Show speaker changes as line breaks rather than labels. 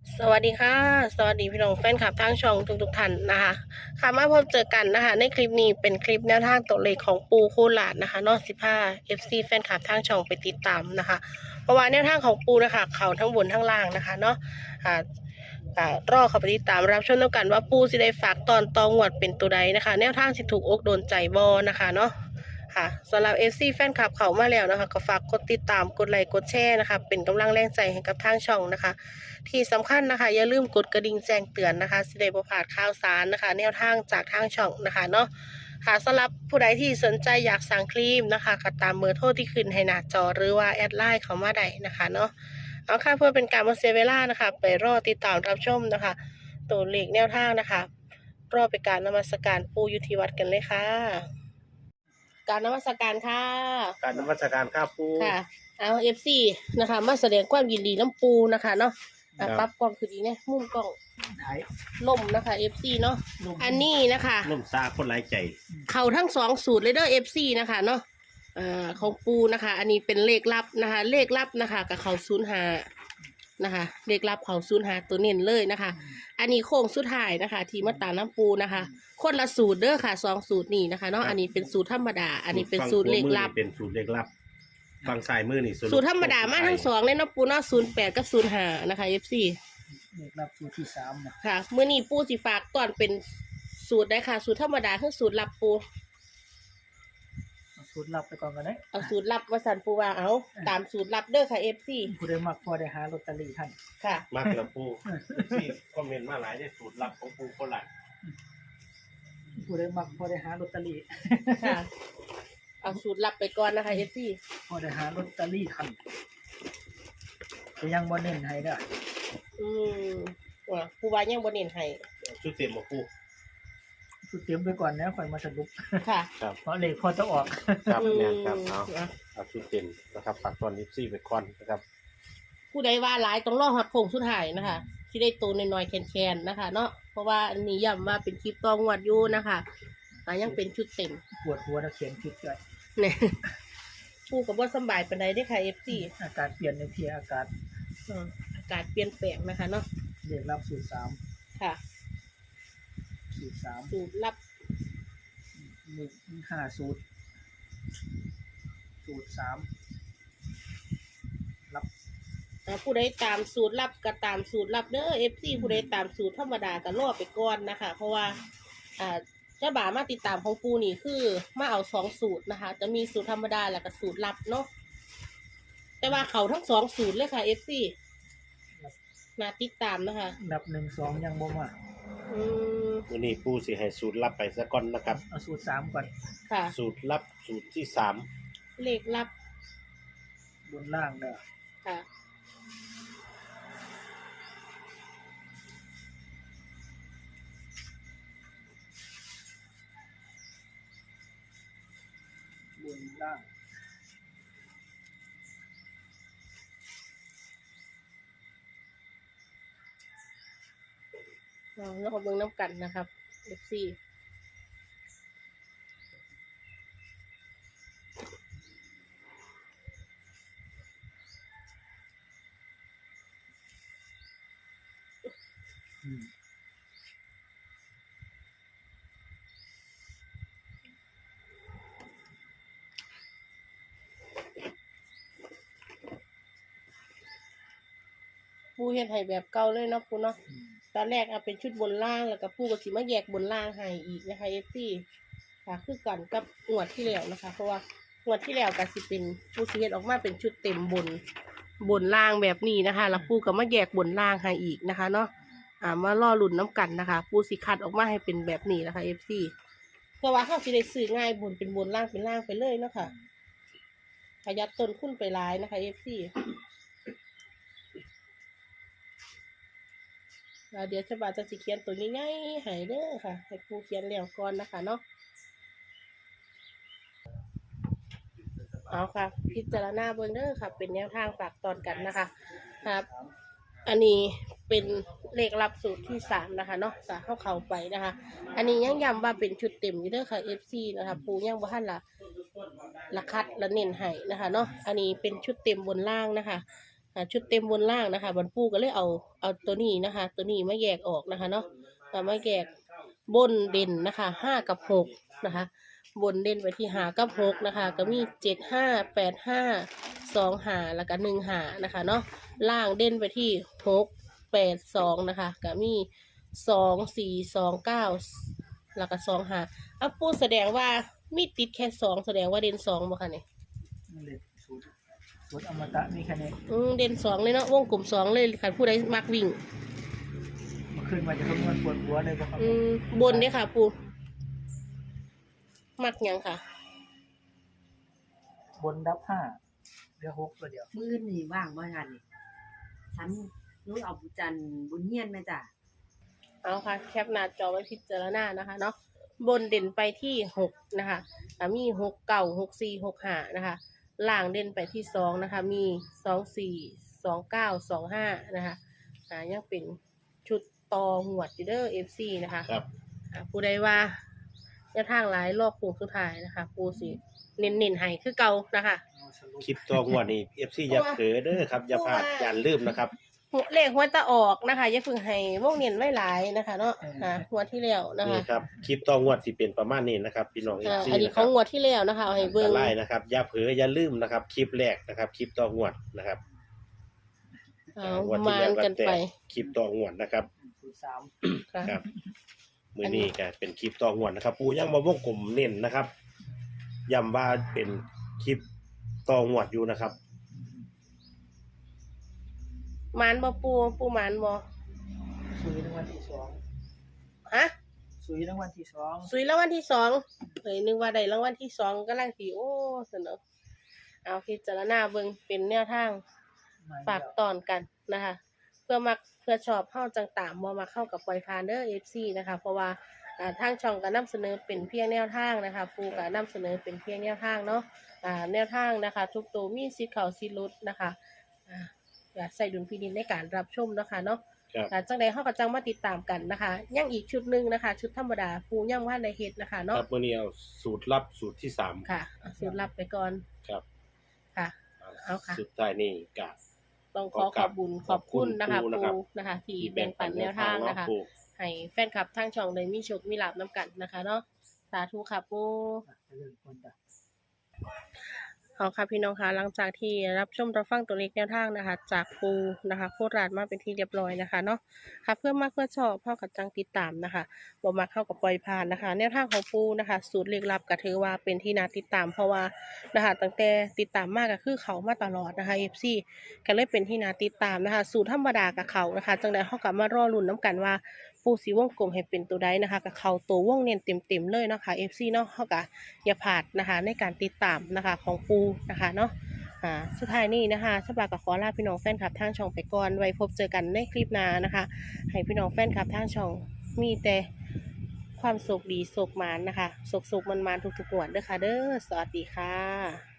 สวัสดีค่ะสวัสดีพี่น้องแฟนคลับทางช่องทุกท่านนะคะค่ะมาพบเจอกันนะคะในคลิปนี้เป็นคลิปแนวทางตัวเลขของปูโคราชนะคะเนอก15 FC แฟนคลับทางช่องไปติดตามนะคะเพราะว่าแนวทางของปูนะคะเขาทั้งบนทั้งล่างนะคะเนาะอ่ารอเขาไปติดตามรับชมแล้วกันว่าปูสิได้ฝากตอนตองวดเป็นตัวใดนะคะแนวทางสิถูกอกโดนใจบอนะคะเนาะค่ะสำหรับ FC แฟนคลับเขามาแล้วนะคะก็ฝากกดติดตามกดไลค์กดแชร์นะคะเป็นกำลังแรงใจให้กับทางช่องนะคะ ที่สำคัญนะคะอย่าลืมกดกระดิ่งแจ้งเตือนนะคะสิได้บ่พลาดข่าวสารนะคะแนวทางจากทางช่องนะคะเนาะค่ะสำหรับผู้ใดที่สนใจอยากสั่งครีมนะคะก็ตามเบอร์โทรที่ขึ้นให้หน้าจอหรือว่าแอดไลน์เขามาได้นะคะเนาะเอาค่ะเพื่อเป็นการมาเสียเวลานะคะไปรอติดตามรับชมนะคะตัวเลขแนวทางนะคะรอไปการนมัสการปูยุทธิวัดกันเลยค่ะการนมัสการค่ะ
การนมัสการครับปู
ค่ะเอาFC นะคะมาแสดงความยินดีน้ำปูนะคะเนาะปรับกล้องคือดีเนี่ยมุมกล้อง
ถ่าย
ล่มนะคะ FC เนาะ
ลง
อันนี้นะคะ
ล่มซาคนไร้ใจ
เขาทั้งสองสูตรเลยเด้อ FC นะคะเนาะของปูนะคะ อันนี้เป็นเลขลับนะคะ เลขลับนะคะกับเขา05นะคะ เลขลับเขา05ตัวเน้นเลยนะคะ อันนี้โค้งสุดท้ายนะคะ ที่มาตามน้ำปูนะคะ คนละสูตรเด้อค่ะสองสูตรนี่นะคะเนาะ อันนี้เป็นสูตรธรรมดา อันนี้เป็นสูตรเลขลับ
เป็นสูตรเลขลับฝั่งซ้ายมือนี่
สูตรธรรมดามาทั้งสองเลยเนาะปูเนาะ08กับ05นะคะ FC
เลขรับสูตรที่3นะ
ค่ะเมื่อนี้ปูสิฝากตอนเป็นสูตรได้ค่ะ สูตรธรรมดาคือสูตรลับปู
เอาสูตรลับไปก่อนกันนะ
เอาสูตรลับมาสั่นปูว่าเอาตามสูตรลับเด้อค่ะ FC
ผู้ใดมักพอได้หาลอตเตอรี่ท่าน
ค่ะ
มากแล้วปูที่คอมเมนต์มาหลายได้สูตรลับของปูโคราช
ผู้ใดมักพอได้หาลอตเตอรี่
ค่ะ เอาสูตรลับไปก่อนนะคะ FC
พอได้หาลอตเตอรี่ท่านแต่ยังบ่เน้นให้เด้อ
อืมว่าปูว่ายังบ่เน้นให้
ชุดเต็มมาปู
สูตรเตรียมไปก่อนนะค่อยมาสรุป
ค่ะ
ครับ
เพราะเลขพอจะออก
ครับ
อืม
แม่นครับเอาชุดเต็มนะครับฝากตอนนิฟซี่ไปก่อนนะครับ
ผู้ใดว่าหลายต้องรอฮอดโค้งสุดท้ายนะคะที่ได้ตัวน้อยๆแคนๆนะคะ เนาะเพราะว่าอันนี้ย้ำว่าเป็นคลิปตองวดอยู่นะคะยังเป็นชุดเต็ม
ปวดหัวนะเขียนผิดด้วย
เนี่ยปูกับว่าสำบายปานใดได้อค่ะ FC
อากาศเปลี่ยนในที่อากาศ
อากาศเปลี่ยนแปลงนะคะเนาะ
เลขรับสูตร
ค่ะ
3สูตร3
สูตรลับ
มี5สูตรสูตร3รับ
ผู้ใดตามสูตรลับก็ตามสูตรลับเด้อ FC ผู้ใดตามสูตรธรรมดาก็รอไปก่อนนะคะ เพราะว่าเจ้าบ่าวมาติดตามของปูนี่คือมาเอาสองสูตรนะคะ จะมีสูตรธรรมดาแล้วก็สูตรลับเนาะแต่ว่าเขาทั้งสองสูตรเลยค่ะ FC มาติดตามนะคะ
ดับ1 2ยังบ่มา
อืม
วันนี้ปูสิให้สูตรลับไปซะก่อนนะครับ
เอาสูตร3ก่อน
ค่ะ
สูตรลับสูตรที่3
เลขลับบ
นล่างเด้อ
ค่ะ
บนล่าง
แล้วก็เบิ่งน้ำกันนะครับ FC
อืม
ปูเฮ็ดให้แบบเก่าเลยเนาะปูเนาะ ตอนแรกเอาเป็นชุดบนล่างแล้วก็ปูก็สิมาแยกบนล่างให้อีกนะคะเอฟซีค่ะคือกันกับงวดที่แล้วนะคะ เพราะว่างวดที่แล้วก็สิเป็นปูสิเฮ็ดออกมาเป็นชุดเต็มบนล่างแบบนี้นะคะแล้วปูก็มาแยกบนล่างให้อีกนะคะเนาะมาล่อลุ่นน้ำกันนะคะปูสิคัดออกมาให้เป็นแบบนี้นะคะเอฟซีเพราะว่าเขาสิได้ซื้อง่ายบนเป็นบนล่างเป็นล่างไปเลยเนาะค่ะประหยัดต้นทุนไปหลายนะคะเอฟซี เดี๋ยวจะบาจะสิเขียนตัวง่ายๆให้เด้อค่ะให้ครูเขียนแล้วก่อนนะคะเนาะเอาค่ะพิจารณาเบิ่งเด้อค่ะ เป็นแนวทางฝากตอนกันนะคะครับ อันนี้เป็นเลขลับสูตรที่3นะคะเนาะจะเข้าไปนะคะ อันนี้ยังย้ำว่าเป็นชุดเต็มอยู่เด้อค่ะ FC นะคะปูยังบ่ทันละคัดละเน้นให้นะคะเนาะอันนี้เป็นชุดเต็มบนล่างนะคะชุดเต็มบนล่างนะคะบรรปูก็เลยเอาตัวนี้นะคะ ตัวนี้มาแยกออกนะคะเนาะมาแยกบนเด่นนะคะ5 กับ 6นะคะบนเด่นไปที่5 กับ 6นะคะก็มี7 5 8 5 2 5แล้วก็1 5นะคะเนาะล่างเด่นไปที่6 8 2นะคะก็มี2 4 2 9แล้วก็2 5อ่ะปูแสดงว่ามีติดแค่2แสดงว่าเด่น2บ่คะเนี่ย
เล่นสูตรอมตะมีแค่นี้
เด่น2เลยเนาะวงกลม2เลยค่ะผู้ใดมักวิ่ง
เมื่อคืนมาจะคำนวณปวดหัวเลยบ่ครับ
บนเด้ค่ะปูมักหยังค่ะ
บนดับ5เหลือ6ตัวเดียว
มื้อนี่ว่างบ่ทันนี่ฉันรู้เอาบุญจันทร์บุญเฮียนแม่จ้ะ
เอาค่ะแคปหน้าจอไว้พิจารณานะคะเนาะบนเด่นไปที่6นะคะมี6 9 6 4 6 5นะคะล่างเด่นไปที่2นะคะมี2 4 2 9 2 5นะคะยังเป็นชุดต่อหวดอยู่เด้อ FC นะคะ
ครับ
ผู้ใดว่าจะทางหลายรอบโค้งสุดท้ายนะคะปูสิเน้นๆให้คือเก่านะคะ
เอาสรุป
คลิปตัวงวดนี่ FC อย่าเผลอเด้อครับอย่าพลาดอย่าลืมนะครับ
เลขหัวตะออกนะคะอย่าเพิ่งให้วงเน้นไว้หลายนะคะเนาะหัวดที่แล้วนะคะ
นี่ครับคลิปตัวงวดสิเป็นประมาณนี้นะครับพี่น้อง FC
อันนี้
นะ
ข
ครั
อง
บ
งวดที่แล้วนะคะเอาให้เบิ่ง
ไล่นะครับอย่าเผลออย่าลืมนะครับคลิปแรกนะครับคลิปตัวงวดนะครับ
เอา
งวดที่
มา
แล้ว
กัน
แต่
ไป
คลิปตัวงวดนะครับ
สูตร3
ค่ะ
ครับมือนี้ก็เป็นคลิปต่องวดนะครับ ปูยังมาวงกลมเน้นนะครับย้ำว่าเป็นคลิปต่องวดอยู่นะครับ
หมานบ่ปูหมานบ่
สุยรางวัลที่2
ฮะ
สุยรางวัลที่2
สุยรางวัลที่2เฮ้ยนึกว่าได้รางวัลที่2กำลังสิโอ้สนุกเอาพิจารณาเบิ่งเป็นแนวทาง ฝากตอนกันนะคะ เพื่อชอบเข้าจังตามบ่มาเข้ากับปล่อยพานเดอร์ FC นะคะเพราะว่าทางช่องก็นำเสนอเป็นเพียงแนวทางนะคะปูก็นำเสนอเป็นเพียงแนวทางเนาะแนวทางนะคะ ทุกตัวมีสิทธิ์เข้าสิทธิ์หลุดนะคะอยากใส่ดุลพินิจในการรับชมนะคะเนาะ
ครับ
จังใดเฮาก็จังมาติดตามกันนะคะยังอีกชุดหนึงนะคะ ชุดธรรมดาปูยังว่าในเฮ็ดนะคะ
ค
เนาะ
รับมือนี้เอาสูตรลับสูตรที่3
ค่ะสูตรลับไปก่อน
ครับ
ค่ะ เอาค่ะ
สุดท้ายนี่ก็
ต้องขอบบุญขอบคุณนะคะ
ขอบคุณ
ปูนะคะ ที่แบ่งปันแนวทางนะคะ
ปู
ให้แฟนคลับทางช่องได้มีโชคมีลาภน้ำกันนะคะเนาะสาธุค่ะปู
เรื่องคนจ้ะ
เอาค่ะพี่น้องคะหลังจากที่รับชมรับฟังตัวเลขแนวทางนะคะ จากปูนะคะโคราชมาเป็นที่เรียบร้อยนะคะเนาะค่ะเพื่อมากเพื่อชอบเข้ากับจังติดตามนะคะบ่มาเข้ากับปล่อยผ่านนะคะ แนวทางของปูนะคะ สูตรเลขลับก็ถือว่าเป็นที่น่าติดตามเพราะว่านะคะตั้งแต่ติดตามมากก็คือเขามาตลอดนะคะ FC ก็เลยเป็นที่น่าติดตามนะคะ สูตรธรรมดากับเขานะคะจังใดเฮากับมารอลุ้นน้ำกันว่า ปูสีวงกลมให้เป็นตัวใดนะคะกับเขาตัววงเน้นเต็มๆเลยเนาะค่ะ FC เนาะเฮาก็อย่าพลาดนะคะในการติดตามนะคะของปูนะคะเนาะสุดท้ายนี้นะคะฉบับกับขอลาพี่น้องแฟนคลับทางช่องไปก่อนไว้พบเจอกันในคลิปหน้านะคะ ให้พี่น้องแฟนคลับทางช่องมีแต่ความสุขดีสุขหมานนะคะสุขๆมันๆทุกๆวันเด้อค่ะเด้อสวัสดีค่ะ